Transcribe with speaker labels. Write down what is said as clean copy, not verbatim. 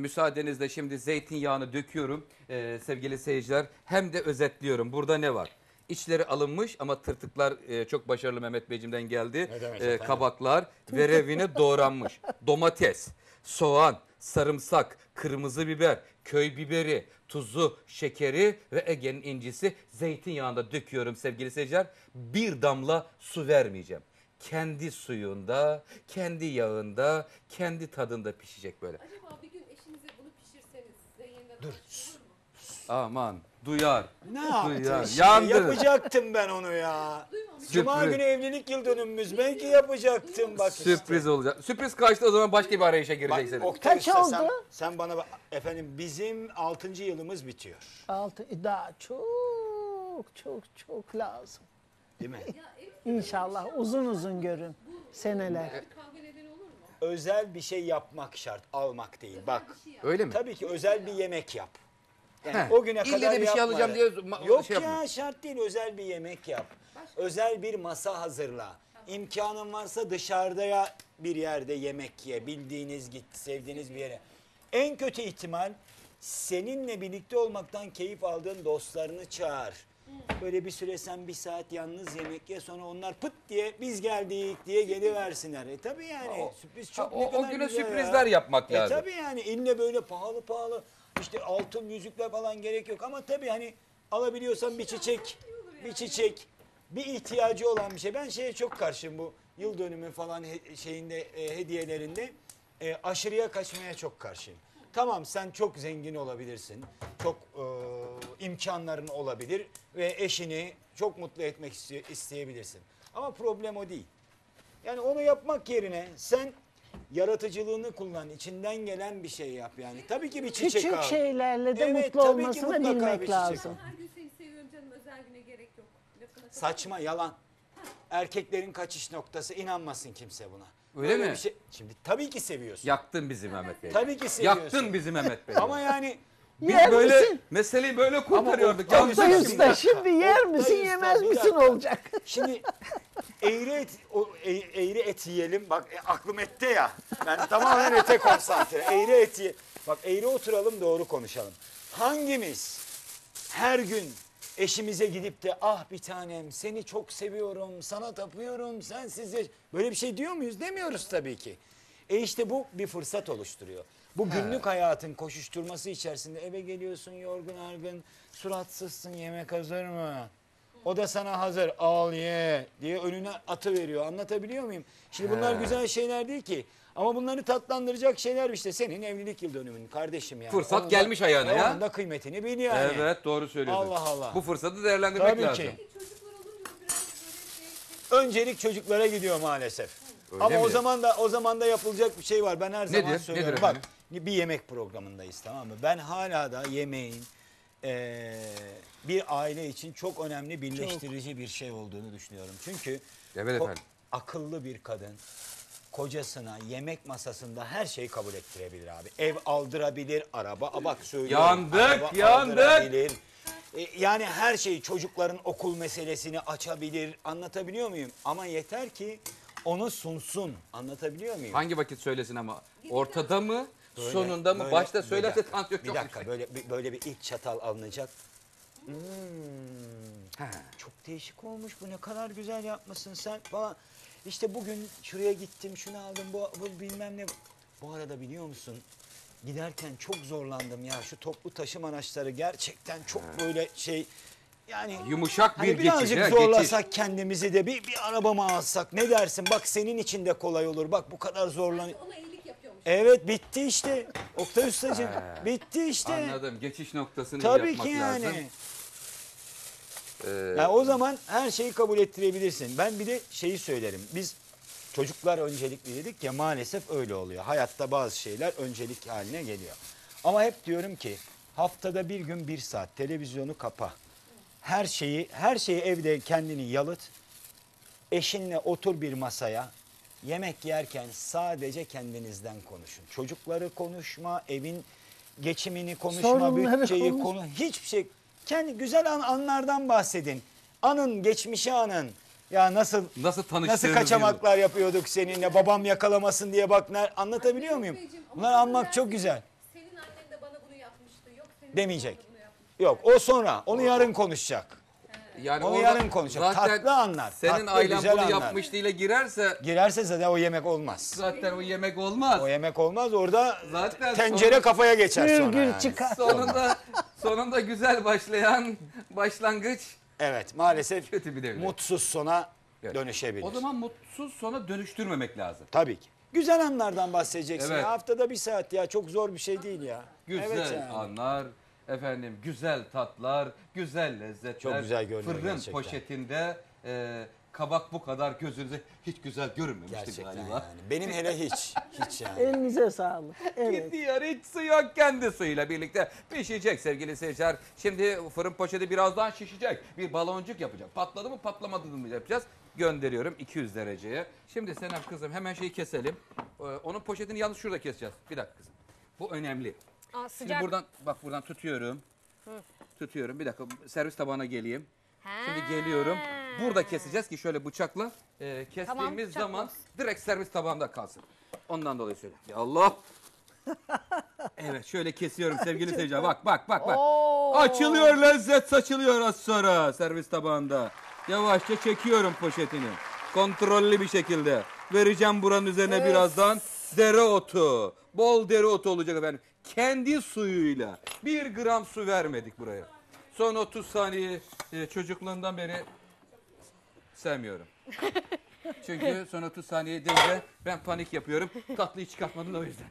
Speaker 1: müsaadenizle şimdi zeytinyağını döküyorum sevgili seyirciler. Hem de özetliyorum. Burada ne var? İçleri alınmış ama tırtıklar çok başarılı Mehmet Beyciğimden geldi. Kabaklar verevine doğranmış. Domates, soğan, sarımsak, kırmızı biber, köy biberi, tuzu, şekeri ve Ege'nin incisi zeytinyağında döküyorum sevgili seyirciler. Bir damla su vermeyeceğim. Kendi suyunda, kendi yağında, kendi tadında pişecek böyle.
Speaker 2: Acaba bir gün eşinize bunu pişirseniz size yeniden
Speaker 3: Dur.
Speaker 2: olur mu?
Speaker 1: Aman duyar.
Speaker 3: Ne yaptın?
Speaker 1: Duyar.
Speaker 3: Şimdi yapacaktım ben onu ya.
Speaker 2: Duymamış.
Speaker 3: Cuma günü evlilik yıl dönümümüz. Belki yapacaktım bak işte.
Speaker 1: Sürpriz olacak. Sürpriz kaçtı o zaman başka bir arayışa gireceksiniz.
Speaker 3: Oktay
Speaker 4: Kaç
Speaker 3: Usta,
Speaker 4: oldu?
Speaker 3: sen bana bak. Efendim bizim 6. yılımız bitiyor.
Speaker 4: 6 daha çok lazım.
Speaker 3: Değil mi?
Speaker 2: Ya evet,
Speaker 4: İnşallah uzun uzun görün seneler.
Speaker 2: bir kavga nedeni olur mu?
Speaker 3: Özel bir şey yapmak şart. Almak değil. Bak.
Speaker 2: Bir şey yap.
Speaker 1: Öyle mi?
Speaker 3: Tabii ki özel bir yemek yap. Yani
Speaker 1: He,
Speaker 3: o güne
Speaker 1: ille
Speaker 3: kadar
Speaker 1: de bir şey
Speaker 3: yapma.
Speaker 1: alacağım diye
Speaker 3: Yok
Speaker 1: şey
Speaker 3: ya
Speaker 1: yapma.
Speaker 3: şart değil. Özel bir yemek yap. Özel bir masa hazırla. İmkanın varsa dışarıda bir yerde yemek ye. Bildiğiniz git, sevdiğiniz bir yere. En kötü ihtimal seninle birlikte olmaktan keyif aldığın dostlarını çağır. Böyle bir süre sen bir saat yalnız yemek ye, sonra onlar pıt diye biz geldik diye geliversinler. Tabii yani sürpriz çok ne
Speaker 1: O
Speaker 3: kadar
Speaker 1: güne
Speaker 3: güzel
Speaker 1: sürprizler
Speaker 3: ya.
Speaker 1: yapmak lazım.
Speaker 3: Tabii yani ille böyle pahalı işte altın yüzükler falan gerek yok ama tabii hani alabiliyorsan bir çiçek bir ihtiyacı olan bir şey. Ben şeye çok karşıyım, bu yıl dönümü falan şeyinde hediyelerinde aşırıya kaçmaya çok karşıyım. Tamam, sen çok zengin olabilirsin, çok imkanların olabilir ve eşini çok mutlu etmek isteyebilirsin. Ama problem o değil. Yani onu yapmak yerine sen yaratıcılığını kullan, içinden gelen bir şey yap yani. Tabii ki bir çiçek al.
Speaker 4: Küçük şeylerle de
Speaker 3: Evet,
Speaker 4: mutlu
Speaker 3: tabii ki
Speaker 4: olmasını
Speaker 3: mutlaka bir
Speaker 4: bilmek
Speaker 3: çiçek
Speaker 4: lazım.
Speaker 2: Her gün seni seviyorum canım, özel güne gerek yok. Lafına katılır
Speaker 3: Saçma,
Speaker 2: mısın?
Speaker 3: yalan. Erkeklerin kaçış noktası, inanmasın kimse buna.
Speaker 1: Öyle
Speaker 3: Böyle
Speaker 1: mi?
Speaker 3: bir şey. Şimdi tabii ki seviyorsun.
Speaker 1: Yaktın bizi Mehmet Bey.
Speaker 3: Tabii ki seviyorsun.
Speaker 1: Yaktın bizi Mehmet Bey.
Speaker 3: Ama yani
Speaker 1: Biz
Speaker 4: Yer
Speaker 1: böyle
Speaker 4: misin?
Speaker 1: meseleyi böyle kurtarıyorduk.
Speaker 3: Ama
Speaker 1: Yanlış
Speaker 4: Oktay
Speaker 3: Oktay
Speaker 1: yaptık.
Speaker 4: Usta şimdi yer misin
Speaker 3: Oktay Usta,
Speaker 4: yemez
Speaker 3: bir
Speaker 4: misin
Speaker 3: dakika.
Speaker 4: olacak.
Speaker 3: şimdi eğri et yiyelim. Bak aklım ette ya. Ben tamamen ete konsantre. Eğri et yiyelim. Bak eğri oturalım, doğru konuşalım. Hangimiz her gün eşimize gidip de ah bir tanem seni çok seviyorum, sana tapıyorum, sensiz böyle bir şey diyor muyuz? Demiyoruz tabii ki. İşte bu bir fırsat oluşturuyor. Bu günlük hayatın koşuşturması içerisinde eve geliyorsun yorgun argın, suratsızsın, yemek hazır mı? O da sana hazır, al ye diye önüne atıveriyor. Anlatabiliyor muyum? Şimdi bunlar güzel şeyler değil ki. Ama bunları tatlandıracak şeyler işte senin evlilik yıl dönümün kardeşim yani.
Speaker 1: Fırsat
Speaker 3: Onun
Speaker 1: gelmiş ayağına ya.
Speaker 3: Onun da kıymetini bil yani.
Speaker 1: Evet, doğru söylüyorsun.
Speaker 3: Allah Allah.
Speaker 1: Bu fırsatı değerlendirmek
Speaker 3: Tabii
Speaker 1: lazım.
Speaker 3: ki.
Speaker 2: Peki çocuklar olunca biraz böyle
Speaker 3: Öncelik çocuklara gidiyor maalesef.
Speaker 1: Öyle
Speaker 3: Ama
Speaker 1: mi?
Speaker 3: o zaman da yapılacak bir şey var. Ben her zaman
Speaker 1: Nedir?
Speaker 3: söylüyorum.
Speaker 1: Nedir
Speaker 3: Bak
Speaker 1: efendim?
Speaker 3: bir yemek programındayız, tamam mı? Ben hala da yemeğin bir aile için çok önemli birleştirici bir şey olduğunu düşünüyorum. Çünkü
Speaker 1: Evet efendim.
Speaker 3: akıllı bir kadın kocasına yemek masasında her şeyi kabul ettirebilir abi. Ev aldırabilir, araba, bak söylüyorum.
Speaker 1: Yandık.
Speaker 3: Aldırabilir. Yani her şeyi, çocukların okul meselesini açabilir. Anlatabiliyor muyum? Ama yeter ki onu sunsun. Anlatabiliyor muyum?
Speaker 1: Hangi vakit söylesin ama? Ortada mı?
Speaker 3: Böyle,
Speaker 1: sonunda mı?
Speaker 3: böyle,
Speaker 1: Başta
Speaker 3: bir
Speaker 1: söylerse
Speaker 3: dakika,
Speaker 1: tansiyon
Speaker 3: bir
Speaker 1: çok
Speaker 3: dakika,
Speaker 1: yüksek.
Speaker 3: böyle bir ilk çatal alınacak. Çok değişik olmuş, bu ne kadar güzel yapmışsın sen falan. İşte bugün şuraya gittim, şunu aldım, bu bilmem ne. Bu arada biliyor musun? Giderken çok zorlandım ya. Şu toplu taşıma araçları gerçekten çok böyle şey. Yani
Speaker 1: Yumuşak
Speaker 3: hani
Speaker 1: bir geçiş.
Speaker 3: birazcık
Speaker 1: ha,
Speaker 3: zorlasak kendimizi de bir araba mı alsak, ne dersin? Bak senin için de kolay olur. Bak bu kadar zorlan.
Speaker 2: ona iyilik yapıyormuş.
Speaker 3: Evet, bitti işte. Oktay Ustacığım bitti işte.
Speaker 1: Anladım. Geçiş noktasını
Speaker 3: Tabii
Speaker 1: yapmak
Speaker 3: ki
Speaker 1: lazım.
Speaker 3: yani. Yani o zaman her şeyi kabul ettirebilirsin. Ben bir de şeyi söylerim. Biz çocuklar öncelikli dedik ya, maalesef öyle oluyor. Hayatta bazı şeyler öncelik haline geliyor. Ama hep diyorum ki haftada bir gün 1 saat televizyonu kapa. Her şeyi evde kendini yalıt. Eşinle otur bir masaya. Yemek yerken sadece kendinizden konuşun. Çocukları konuşma, evin geçimini konuşma,
Speaker 4: Sorunları
Speaker 3: bütçeyi
Speaker 4: konuş.
Speaker 3: hiçbir şey. Kendi güzel anlardan bahsedin. Anın, geçmişi anın. Ya nasıl
Speaker 1: tanıştığınız
Speaker 3: kaçamaklar yapıyorduk seninle, babam yakalamasın diye bak. Anlatabiliyor muyum?
Speaker 2: Beyciğim, ama
Speaker 3: Bunları
Speaker 2: sana
Speaker 3: anmak çok
Speaker 2: dersin,
Speaker 3: güzel.
Speaker 2: Senin
Speaker 3: demeyecek. Yok o sonra onu yarın konuşacak.
Speaker 1: Yani
Speaker 3: Onu
Speaker 1: orada
Speaker 3: yarın konuşacak.
Speaker 1: zaten
Speaker 3: Tatlı anlar.
Speaker 1: Senin
Speaker 3: tatlı,
Speaker 1: ailen
Speaker 3: güzel
Speaker 1: bunu
Speaker 3: anlar.
Speaker 1: yapmış diye girerse
Speaker 3: Girerse zaten o yemek olmaz.
Speaker 1: zaten o yemek olmaz.
Speaker 3: O yemek olmaz orada
Speaker 1: Zaten
Speaker 3: tencere
Speaker 1: sonra-
Speaker 3: kafaya geçer
Speaker 4: Gür
Speaker 3: sonra
Speaker 4: gür
Speaker 3: yani.
Speaker 4: çıkar.
Speaker 1: Sonunda güzel başlayan başlangıç
Speaker 3: Evet maalesef
Speaker 1: kötü bir devlet.
Speaker 3: mutsuz sona
Speaker 1: Evet.
Speaker 3: dönüşebilir.
Speaker 1: O zaman mutsuz sona dönüştürmemek lazım.
Speaker 3: Tabii ki. Güzel anlardan bahsedeceksin.
Speaker 1: Evet.
Speaker 3: Ya. Haftada 1 saat ya çok zor bir şey değil ya.
Speaker 1: Güzel
Speaker 3: Evet yani.
Speaker 1: anlar, efendim güzel tatlar, güzel lezzetler.
Speaker 3: Çok güzel görünüyor
Speaker 1: Fırın
Speaker 3: gerçekten.
Speaker 1: poşetinde kabak bu kadar gözünüze hiç güzel görünmemişti
Speaker 3: Gerçekten
Speaker 1: galiba.
Speaker 3: yani. Benim hele hiç. Hiç yani.
Speaker 4: Elinize sağlık. Evet.
Speaker 1: Gidiyor hiç su yok, kendi suyuyla birlikte pişecek sevgili seyirciler. Şimdi fırın poşeti birazdan şişecek. Bir baloncuk yapacak. Patladı mı patlamadı mı yapacağız. Gönderiyorum 200 dereceye. Şimdi Senem kızım hemen şeyi keselim. Onun poşetini yalnız şurada keseceğiz. Bir dakika kızım. Bu önemli.
Speaker 2: Aa,
Speaker 1: Şimdi
Speaker 2: sıcak.
Speaker 1: buradan tutuyorum. Tutuyorum. Bir dakika servis tabağına geleyim. Şimdi geliyorum. Burada keseceğiz ki şöyle bıçakla kestiğimiz
Speaker 2: Tamam, bıçak
Speaker 1: zaman
Speaker 2: olsun.
Speaker 1: direkt servis tabağında kalsın. Ondan dolayı söyle. Ya Allah. Evet şöyle kesiyorum sevgili seyirciler. Bak. Açılıyor, lezzet saçılıyor az sonra servis tabağında. Yavaşça çekiyorum poşetini. Kontrollü bir şekilde. Vereceğim buranın üzerine birazdan dereotu. Bol dereotu olacak efendim. Kendi suyuyla. 1 gram su vermedik buraya. Son 30 saniye çocukluğundan beri sevmiyorum. Çünkü son 30 saniye deyince ben panik yapıyorum. Tatlıyı çıkartmadın o yüzden.